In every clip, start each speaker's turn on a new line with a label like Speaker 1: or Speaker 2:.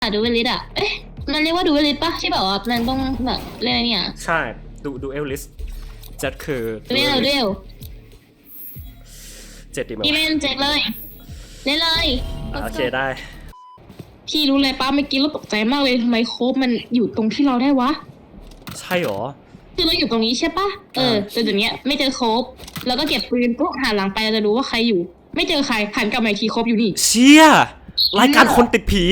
Speaker 1: ดูเวลิสอ่ะเอ๊ะมันเรียกว่าดูเวลิสปะที่แบบว่ามันต้องแบบเล่นอะไรเนี่ย
Speaker 2: ใช่ดูเอลลิสจัดคือ
Speaker 1: ดูเร็ว
Speaker 2: 7ดีมั้ย
Speaker 1: พี่เล่นเจ็ดเลยเล่นเลย
Speaker 2: โอเคได้
Speaker 1: พี่รู้เลยป้าเมื่อกี้เราตกใจมากเลยทำไมโคบมันอยู่ตรงที่เราได้วะ
Speaker 2: ใช่หรอ
Speaker 1: คือเราอยู่ตรงนี้ใช่ปะแต่เดี๋ยวนี้ไม่เจอโคบแล้วก็เก็บปืนปุ๊บหันหลังไปเราจะรู้ว่าใครอยู่ไม่เจอใครหันกลับมาอีกทีโคบอยู่นี่
Speaker 2: เชี่ยรายการคนติดผี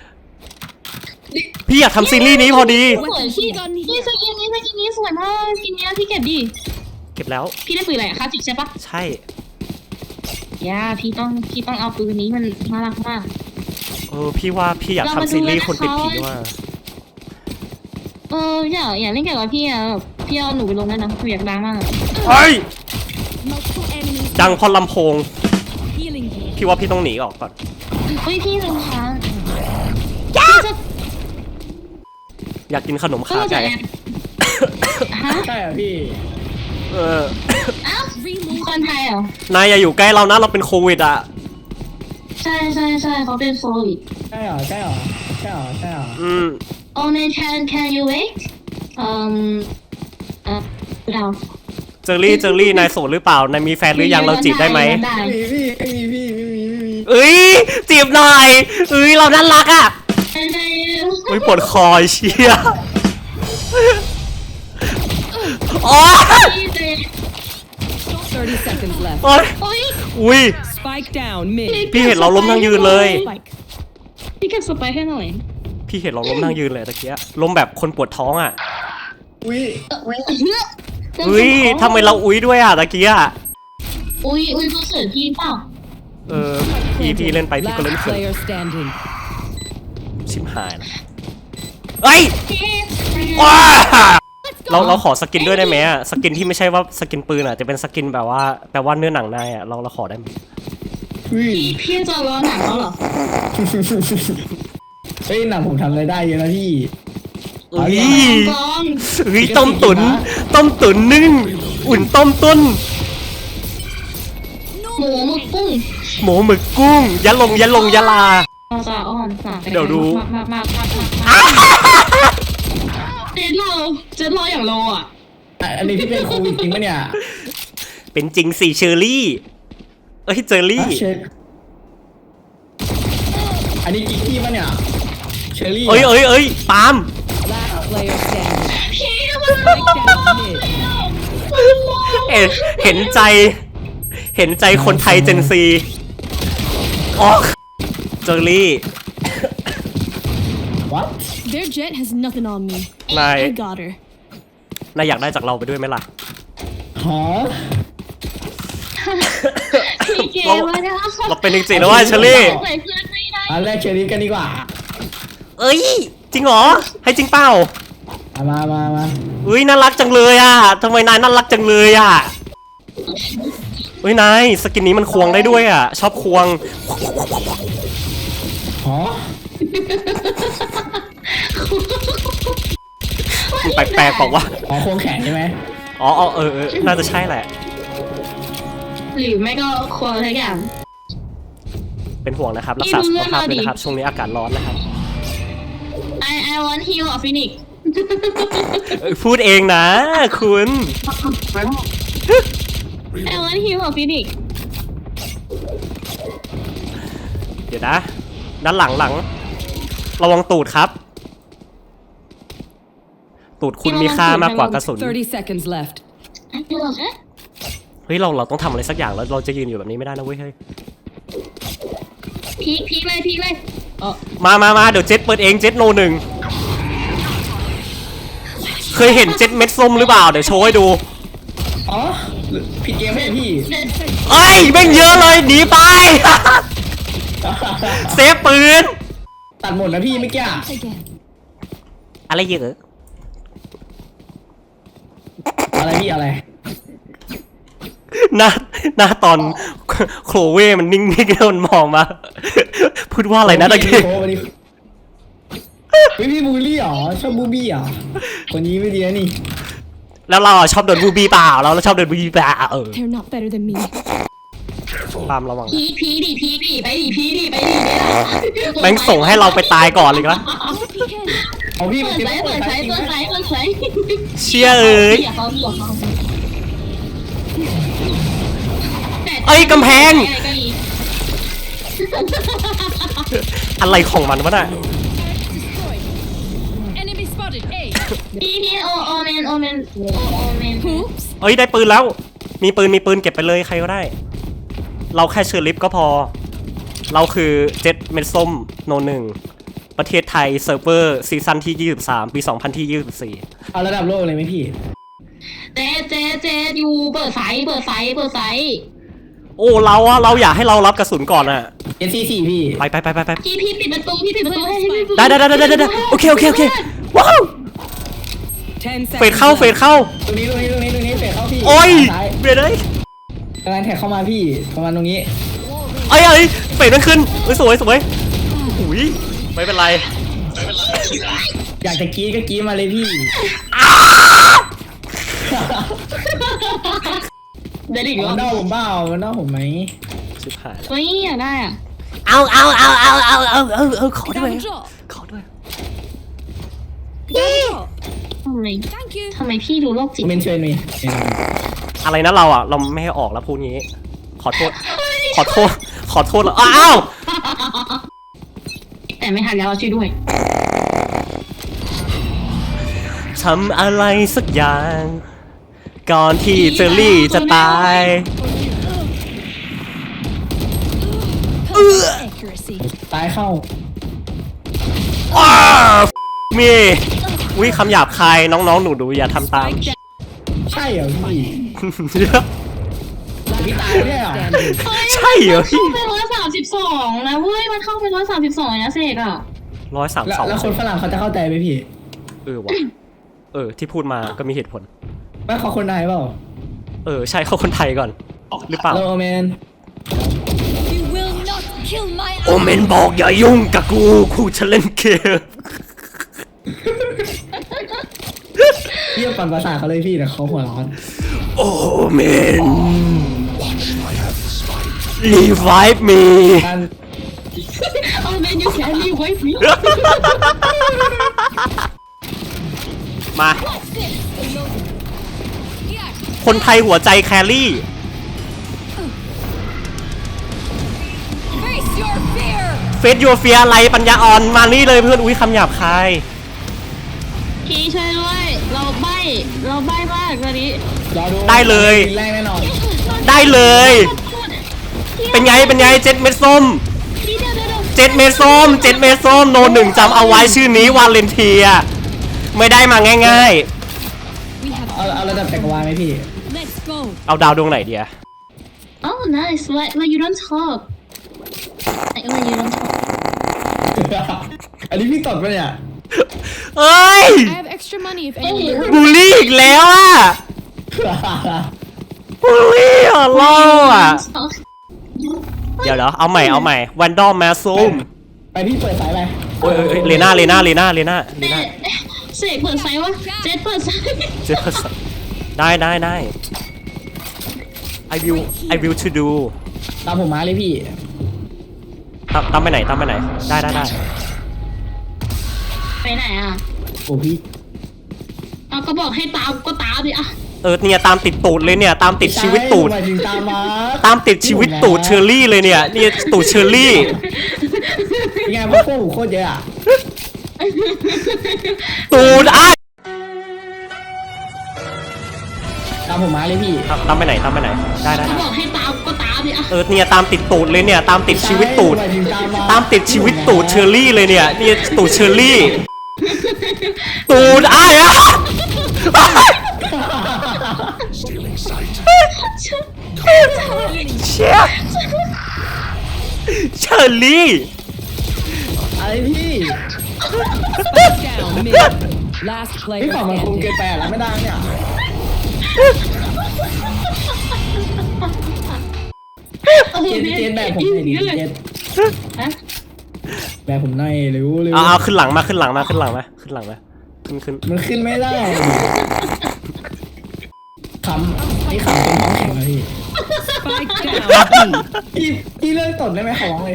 Speaker 2: พี่อยากทำซีรีส์นี้พอดี
Speaker 1: สวยพี่สกินนี้สวยมากสกินนี้พี่เก็บดิ
Speaker 2: เก็บแล้ว
Speaker 1: พี่ได้ปืนอะไรคลาสสิกใช่ปะ
Speaker 2: ใช่
Speaker 1: ย่าพี่ต้องเอาปืนนี้มันน่ารักมาก
Speaker 2: พี่ว่าพี่อยากทำซีรีส์คนติดผีว่า
Speaker 1: อยากเล่นเกี่ยวกับพี่อะพี่เอาหนูไปลงได้นะหนูอยากดังมาก
Speaker 2: เฮ้ยดังพอลำโพงพี่ว่าพี่ต้องหนีออกก่อน
Speaker 1: เฮ้ยพี่ลงค้าง
Speaker 2: อยากกินขนมขาไก่
Speaker 3: ใช่เหรอพี่
Speaker 1: อ้าวคนไทยเหร
Speaker 2: อนายอย่าอยู่ใกล้เรานะเราเป็นโควิดอ่ะ
Speaker 1: ใช่เขาเป็นโควิด
Speaker 3: ใช่เหรอ
Speaker 1: Oh man can you wait เรา
Speaker 2: เจอรี่นายโสดหรือเปล่านายมีแฟนหรือยังเราจีบได้ไหม
Speaker 3: พี่
Speaker 2: เอ้ยจีบหน่อยเราน่ารักอ่ะปวดคอเชี่ยโอ้
Speaker 4: 30 seconds left
Speaker 2: อุ้ยพี่เห็นเราล้มทั้งยืนเลย
Speaker 1: พี่เก็บสไปให้หน่อย
Speaker 2: พี่เห็นเราล้มนั่งยืนเลยตะเกียล้มแบบคนปวดท้องอ่ะทำไมเราด้วยอ่ะตะเกีย
Speaker 1: อุ้ยเขาเสิร์ฟพี่เปล่า
Speaker 2: พี่เล่นไปพี่ก็เล่นเขินชิมหายนะเอ้ยว้าเราขอสกินด้วยได้ไหมอ่ะสกินที่ไม่ใช่ว่าสกินปืนอ่ะจะเป็นสกินแบบว่าแปลว่าเนื้อหนังนายอ่ะเราขอได้ไหม
Speaker 1: พี่จะรอหนังแล้วเหรอ
Speaker 3: เฮ้ยหนังผมทำอะไรได้เยอะนะพี่
Speaker 2: ต้มตุ๋นนึ่งอุ่นต้มต้น
Speaker 1: หมูหมึก
Speaker 2: กุ้งยะลาเดี๋ยวดู
Speaker 1: เจ็ดโลอย่างโลอ่ะ
Speaker 3: อันนี้พี่เป็นโควิดจริงปะเนี่ย
Speaker 2: เป็นจริงสิเชอรี่เจอรี่
Speaker 3: อันนี้กิ๊กพี่ปะเนี่ยเชอรี่
Speaker 2: ปาล์มเห็นใจคนไทยเจนซีเจอรี่
Speaker 3: What?
Speaker 4: Their jet has nothing on me.
Speaker 2: I
Speaker 4: got her.
Speaker 2: นายอยากได้จากเราไปด้วยไหมล่ะเราเป็นจริงๆแล้วว่าเชอรี่
Speaker 3: อันแรกเชอรี่กันดีกว่า
Speaker 2: จริงเหรอให้จริงเปล่า
Speaker 3: มา
Speaker 2: น่ารักจังเลยอ่ะทำไมนายน่ารักจังเลยอ่ะนายสกินนี้มันควงได้ด้วยอ่ะชอบควงแปลกๆบอกว่า
Speaker 3: ควงแขนใช่ไหม
Speaker 2: น่าจะใช่แหละ
Speaker 1: หรือไม่ก็ควงทุกอย่าง
Speaker 2: เป็นห่วงนะครับรักษาสุขภาพด้วยนะครับช่วงนี้อากาศร้อนนะครับ
Speaker 1: I want heal of Phoenix
Speaker 2: พูดเองนะคุณ
Speaker 1: I want heal of Phoenix
Speaker 2: เดี๋ยวนะด้านหลังระวังตูดครับตูดคุณมีค่ามากกว่ากระสุน
Speaker 4: 30 seconds left
Speaker 2: เราต้องทำอะไรสักอย่างแล้วเราจะยืนอยู่แบบนี้ไม่ได้นะเว้ย
Speaker 1: พีกเลย
Speaker 2: มาเดี๋ยวเจ็ตเปิดเองเจ็ตโน1เคยเห็นเจ็ตเม็ดส้มหรือเปล่าเดี๋ยวโชว์ให้ดู
Speaker 3: ผิดเกมไหมพี่
Speaker 2: แม่งเยอะเลยหนีไปเซฟปืน
Speaker 3: ตัดหมดนะพี่ไม่แก่
Speaker 2: อะไรเยอะ
Speaker 3: อะไรพี่อะไร
Speaker 2: หน้าตอนโคลเว่มันนิ่งๆแล้วมันมองมาพูดว่าอะไรนะตะกี้
Speaker 3: พี่บูลลี่หรอชอบบูบี้หรอคนนี้ไม่ดีนะนี่
Speaker 2: แล้วเราชอบโดนบูบี้เปล่าเราชอบโดนบูบี้เปล่า
Speaker 4: They're not better than me
Speaker 2: ไปปาล์มระวังนะ
Speaker 1: พีดิไปดิ
Speaker 2: แม่งส่งให้เราไปตายก่อนเลยนะ
Speaker 3: เอาพี่
Speaker 1: เปิด
Speaker 3: จริง
Speaker 1: ไซส์เปิดไซส์
Speaker 2: เชี่ยเอ้ย เอ้ยกำแพง อะไรของมันวะน่ะ
Speaker 4: Enemy spotted. A.
Speaker 1: พี่โอเมน
Speaker 4: Oops.
Speaker 2: เอ้ยได้ปืนแล้ว มีปืนเก็บไปเลยใครก็ได้ เราแค่เชิญลิฟต์ก็พอ เราคือเจ็ดเม็ดส้มโนหนึ่งประเทศไทยเซิร์ฟเวอร์ซีซั่นที่23ปี2024
Speaker 3: เอาระดับโลกเลยไหมพี่
Speaker 1: เจอยู่เปิดไซส์
Speaker 2: โอ้เราอยากให้เรารับกระสุนก่อนอะ
Speaker 3: SC4 พี่
Speaker 2: ไป
Speaker 1: พี่ปิดประตูให้พี่
Speaker 2: ได้โอเคว้าว
Speaker 4: 10
Speaker 2: เฟด
Speaker 4: seconds.
Speaker 2: เข้า
Speaker 4: left.
Speaker 3: ตรงนี้เฟดเข้าพี่
Speaker 2: โอ้ย
Speaker 3: ซ้าย
Speaker 2: เบรดเลย
Speaker 3: กำลังแท็กเข้ามาพี่ประมาณตรงนี้
Speaker 2: เอ้ยเฟดมันขึ้นเฮ้ยสวยอุ้ยไม่เป็นไร
Speaker 3: อยากจะกรี๊ดก็กรี๊ดมาเลยพี่
Speaker 1: เดี๋ยวดิ
Speaker 3: มันเน่าผมเปล่ามันเน่าผมไหม
Speaker 2: ชิบหาย
Speaker 1: เฮ้ยอยากได้อ่ะ
Speaker 2: เอาขอด้วย
Speaker 4: Double drop.
Speaker 2: ขอด้วย
Speaker 4: Double drop.
Speaker 1: ทำ
Speaker 4: Thank you.
Speaker 1: ไมพี่ดูโรคจิต
Speaker 3: เมนเชนมี
Speaker 2: อะไรนะเราไม่ให้ออกแล้วพูดงี้ ขอโทษแล้วอ้าว
Speaker 1: แต่ไม่ทันแล้วเราช่วยด้วย
Speaker 2: ทำอะไรสักอย่าง ก่อนที่เจอรี่จะตาย
Speaker 4: Accuracy.
Speaker 3: ตายเข้า
Speaker 2: อ้าวมีวิคำหยาบคายน้องๆหนูอย่าทำตาม
Speaker 4: Spike down.
Speaker 3: ใช่เหรอพี่พี่ตายเนี่ยเหรอ
Speaker 4: Standing.
Speaker 2: ใช่เหรอพี่
Speaker 1: เข้าไป132นะเว้ยมันเข้าไป132นะเสกอ่ะ
Speaker 2: 132
Speaker 3: แล้วคนฝรั่งเขาจะเข้าใจไหมพี่
Speaker 2: ว่ะที่พูดมาก็มีเหตุผล
Speaker 3: ว่าเขาคนไทยเปล่า
Speaker 2: ใช่เขาคนไทยก่อน หรือเปล่า
Speaker 3: โลเมน
Speaker 4: You will not kill my
Speaker 2: โอเมนบอกอย่ายุ่งกับกูจะเล่นเกม
Speaker 3: เยี่ยมปั่นภาษาทเขาเลยพี่แต่เขาหัวร้อน
Speaker 2: โอเมน revive me
Speaker 3: การ
Speaker 1: เอาเมนยูแครี่ไว้พี่
Speaker 2: มา คนไทยหัวใจแครี่
Speaker 4: Face your fear.
Speaker 2: เฟสยูเฟียอะไรปัญญาอ่อนมานี่เลยเพื่อนอุ้ยคำหยาบคาย
Speaker 1: พี่ช่วยด้วยเราใบ้มากตอนนี้
Speaker 3: รอดู
Speaker 2: ได้เลย
Speaker 3: แรงแน่นอน
Speaker 2: ได้เลย เป็นไงเจ็ดเม็ดส้ม
Speaker 1: พี่เดี๋ยว
Speaker 2: เจ็ดเม็ดส้มโนหนึ่งจำเอาไว้ชื่อนี้วาเลนเทีย ไม่ได้มาง่าย
Speaker 4: We have.
Speaker 3: เอาระดับจักรวาลไหมพี่
Speaker 4: Let's go.
Speaker 2: ๆ เอาดาวดวงไหนเดีย
Speaker 1: Oh nice why you don't talk why you don't talk
Speaker 3: อันนี้พี่ตดปะเนี่ย
Speaker 2: เอ้ย
Speaker 4: I have extra money if anyone.
Speaker 2: บูลลี่อีกแล้วอ่ะบูลลี่อ่ะล่ออ่ะ เดี๋ยวเอาใหม่วันดอมแมสซูม
Speaker 3: ไปพี่เปิดสายไป
Speaker 2: โอ้ยเลน่า
Speaker 1: เสกเปิดไซส์วะเจ็ดเปิดไซส์
Speaker 2: เจ็ดได้ I will to do
Speaker 3: ตามผมมาเลยพี่
Speaker 2: ตามไปไหนได้
Speaker 1: ไปไหนอ่ะ
Speaker 3: โอ้พี่
Speaker 1: เอาก็บอกให้ตามก็ตามดิอ่ะ
Speaker 2: เนี่ยตามติดตูดเลยเนี่ยตามติดชีวิตตูด
Speaker 3: หมายถึงตามมา
Speaker 2: ตามติดชีวิตตูดเชอร์รี่เลยเนี่ยนี่ตูดเชอร์รี่
Speaker 3: เป็นไงพวกผมโคตรเยอะอะ
Speaker 2: ตูดอ้าย
Speaker 3: ตามผมมาเลยพี่
Speaker 2: ตามไปไหนได้
Speaker 1: ก็บอกให้ตามก็ตามดิอ่ะ
Speaker 2: เนี่ยตามติดตูดเลยเนี่ยตามติดชีวิตตูด
Speaker 3: หมายถึงตามมา
Speaker 2: ตามติดชีวิตตูดเชอร์รี่เลยเนี่ยนี่ตูดเชอร์รี่ตูดอ้ายอ่ะเชี่ยเชอร์รี่
Speaker 3: อะไรพี่
Speaker 4: Down mid. Last
Speaker 3: พี่
Speaker 4: player
Speaker 3: ฝั่งมันคง
Speaker 4: standing.
Speaker 3: เกินไปแล้วไม่ได้เนี่ยเจนแบบผมหน่อยดิเจน
Speaker 1: ฮะ
Speaker 3: แบบผมหน่อยเร็ว
Speaker 2: เอาขึ้นหลังมาขึ้นหลังมาขึ้น
Speaker 3: มันขึ้นไม่ได้ขำนี่ขำเป็นท้องแข็งเลยพี่
Speaker 4: Spike down. B.
Speaker 3: พี่เลิกตดได้ไหมขอร้องเลย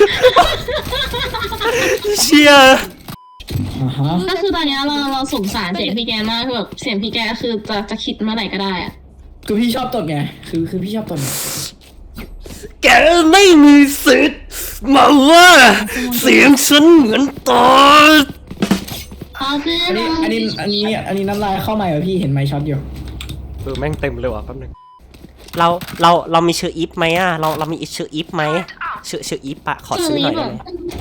Speaker 2: เชีย
Speaker 3: อ่าฮะ
Speaker 1: ก็คือตอนเนี้ยเราสงสารเสียงพี่แกมากคือแบบเสียงพี่แกคือจะคิดเมื่อไหร่ก็ได้อะ
Speaker 3: คือพี่ชอบตดไงคือพี่ชอบตด
Speaker 2: แกไม่มีสิทธิ์มาว่าเสียงฉันเหมือนตอด
Speaker 1: เอาคือ
Speaker 3: อันนี้น้ำลายเข้ามาเหรอพี่เห็นไมค์ช็อตอยู่
Speaker 2: แม่งเต็มเลยว่ะแป๊บนึงเรามีชื่ออีฟไหมอ่ะเรามีชื่ออีฟไหมชื่ออีฟปะขอซื้อหน่อยได้ไหม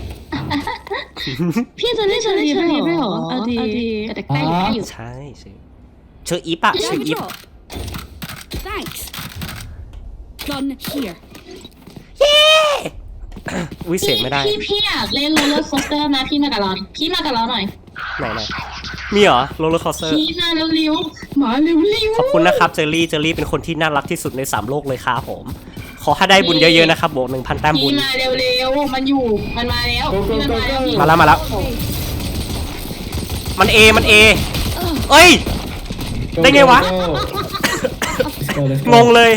Speaker 1: พี่จะได้เชอรี่ด้วยเหรอเอาดีแต่ใกล้อยู่
Speaker 2: ใช่ชื่ออีฟปะ
Speaker 4: You
Speaker 2: ชื่อ
Speaker 4: have a
Speaker 2: อีฟ
Speaker 4: drop. Thanks. Gun here.
Speaker 2: อุ้ยเสียงไม่ได้
Speaker 1: พี่อยากเล่นโรลเลอร์โคสเตอร์นะพี่มากับเราหน่อย
Speaker 2: ไหนมีเหรอโรลเลอร์คอสเตอร์
Speaker 1: พี่มาเร็วๆมาเร็ว
Speaker 2: ขอบคุณนะครับเจอรี่เป็นคนที่น่ารักที่สุดใน3โลกเลยครับผมขอให้ได้บุญเยอะๆนะครับบวก 1,000 แต้มบุญ
Speaker 1: พี่มาเร็วๆมันมาแล้วพี่มันมาแล้ว
Speaker 2: มาแล้วมันเอเอ้ย ได้ไงวะ งงเลย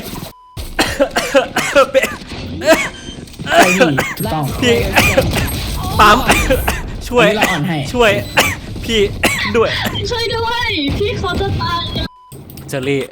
Speaker 3: ใช่พี่ถูกต้อง
Speaker 2: พี่ปั๊มช่วย
Speaker 3: อันนี้เราอ่อนให้
Speaker 2: ช่วย พี่ด้วย
Speaker 1: ช่วยด้วยพี่เขาจะตาย
Speaker 2: เจอรี่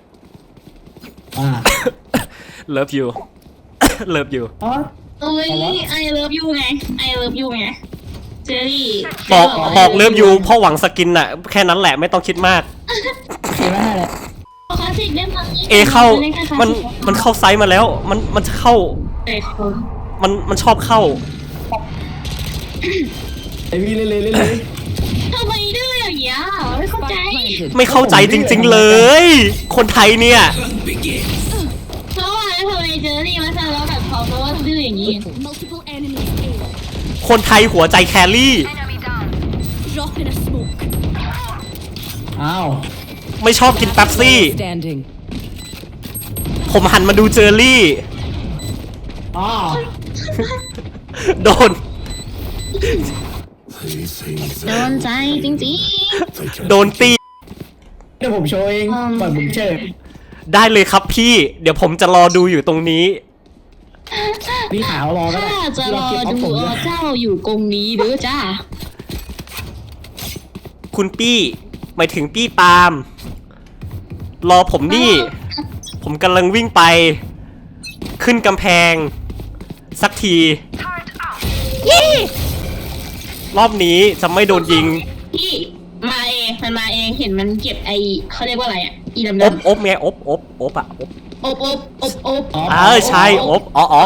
Speaker 2: love you love you
Speaker 3: อ๋อ
Speaker 1: เอ้ยไอเลิฟยูไงเจอรี่
Speaker 2: บอกเลิฟยูเพราะหวังสกินน่ะแค่นั้นแหละไม่ต้องคิดมาก
Speaker 3: เห็นไหมอะไร
Speaker 1: คลาสสิกเล่นมา
Speaker 2: เอเข้ามันเข้าไซส์มาแล้วมันจะเข้ามันชอบเข้า
Speaker 3: ไอพี่เล่น
Speaker 1: ทำไมดื้ออย่างเงี้ยไม่เข้าใจ
Speaker 4: Spike planted.
Speaker 2: ไม่เข้าใจจริงๆเลย คนไทยเนี่ย
Speaker 1: เพราะว่าทำไมเจอรี่มาซะแล้วแบบเขาเพราะว่าดื้ออย่างนี้
Speaker 4: Multiple enemies A.
Speaker 2: คนไทยหัวใจแครี่
Speaker 4: Drop in a smoke.
Speaker 3: อ้าว
Speaker 2: ไม่ชอบกินเป๊ปซี่
Speaker 4: Standing.
Speaker 2: ผมหันมาดูเจอรี่
Speaker 3: อ๋อ
Speaker 2: โดน
Speaker 1: โดนใจจริง
Speaker 2: โดนตี
Speaker 3: เดี๋ยวผมโชว์เองปล่อยผมเชิญ
Speaker 2: ได้เลยครับพี่ เดี๋ยวผมจะรอดูอยู่ตรงนี้
Speaker 3: พี่ขาวรอก็ได้
Speaker 1: ถ้าจะรอ
Speaker 3: เก็บเอา
Speaker 1: ดู
Speaker 3: ผมด้วย
Speaker 1: เจ้าอยู่กรงนี้เด้อจ้า
Speaker 2: คุณปี้หมายถึงปี้ปาล์มรอผมนี่ ผมกำลังวิ่งไป ขึ้นกำแพง สักทีรอบนี้จะไม่โดนยิง
Speaker 1: พี่มาเองมันมาเองเห็นมันเก็บไอเขาเรียกว่าอะไรอ่ะอีดำ
Speaker 2: อบไงอบอ่ะอบ
Speaker 1: อบ
Speaker 2: ใช่อบอ๋อ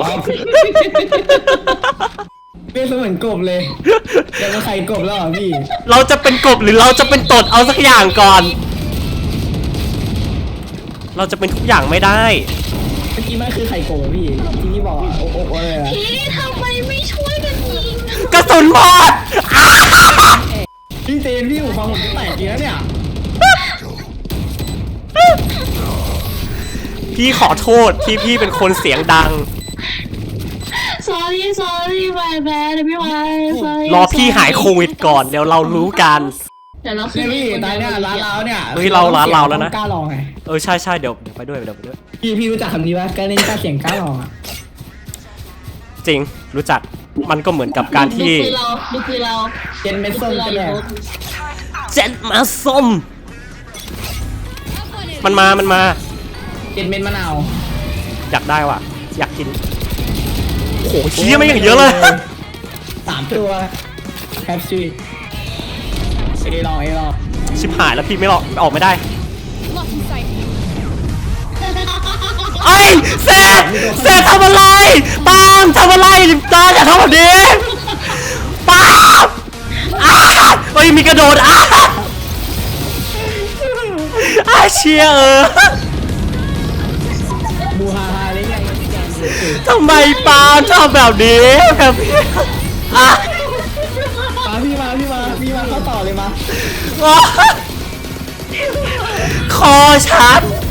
Speaker 3: เป็นเหมือนกบเลยเดี๋ยวมาไข่กบแล้วเหรอพี่
Speaker 2: เราจะเป็นกบหรือเราจะเป็นตดเอาสักอย่างก่อน เราจะเป็นทุกอย่างไม่ได้
Speaker 3: เมื่อกี้มันคือไข่กบอะพี่ที่พี่บอกอะโอ้อะไรอะ
Speaker 1: พี่ทำไมไม่ช่วยกันยิง
Speaker 2: กระสุนหมด
Speaker 3: พี่เจนพี่หูฟังผมจะแตกทีแล้วเนี่ย
Speaker 2: พี่ขอโทษที่พี่เป็นคนเสียงดัง
Speaker 1: sorry my bad พี่วาย
Speaker 2: รอพี่หายโควิดก่อนเดี๋ยวเรารู้กัน
Speaker 1: เดี๋ยวเราขึ้
Speaker 3: เนี่ย
Speaker 1: น
Speaker 3: พี่ตายเนี่ยร้านเราเนี่ย
Speaker 2: เฮ้ยเราร้านเราแล้วนะ
Speaker 3: กล้าลองไง
Speaker 2: ใช่เดี๋ยวไปด้วย
Speaker 3: พี่รู้จักคำนี้ปะกล้าเล่นกล้าเสียงกล้าลองอะ
Speaker 2: จริงรู้จักมันก็เหมือนกับการที่
Speaker 1: ดูคือเรา
Speaker 3: เจนเม็ดส้มจะแดก
Speaker 2: เจ็ดมาส้มมันมา
Speaker 3: เจนเม็ดมะนาว
Speaker 2: อยากได้ว่ะอยากกินโอ้โหเชี่ยไม่อย่างเยอะเลย
Speaker 3: 3 ตัวแคปซูลเอลอง
Speaker 2: ชิบหายแล้วพี่ไม่ออกไม่ได้
Speaker 4: Lock in sight.
Speaker 2: ไอ้เซททำอะไรปาล์มทำอะไรตาอย่าทำแบบนี้ปาล์มเฮ้ยมีกระโดดเชีย
Speaker 3: บูฮาเลยไง
Speaker 2: ทำไมปาล์มชอบแบบนี้แบบ
Speaker 3: พี่มาเข้าต่อเลยมา
Speaker 2: คอฉัน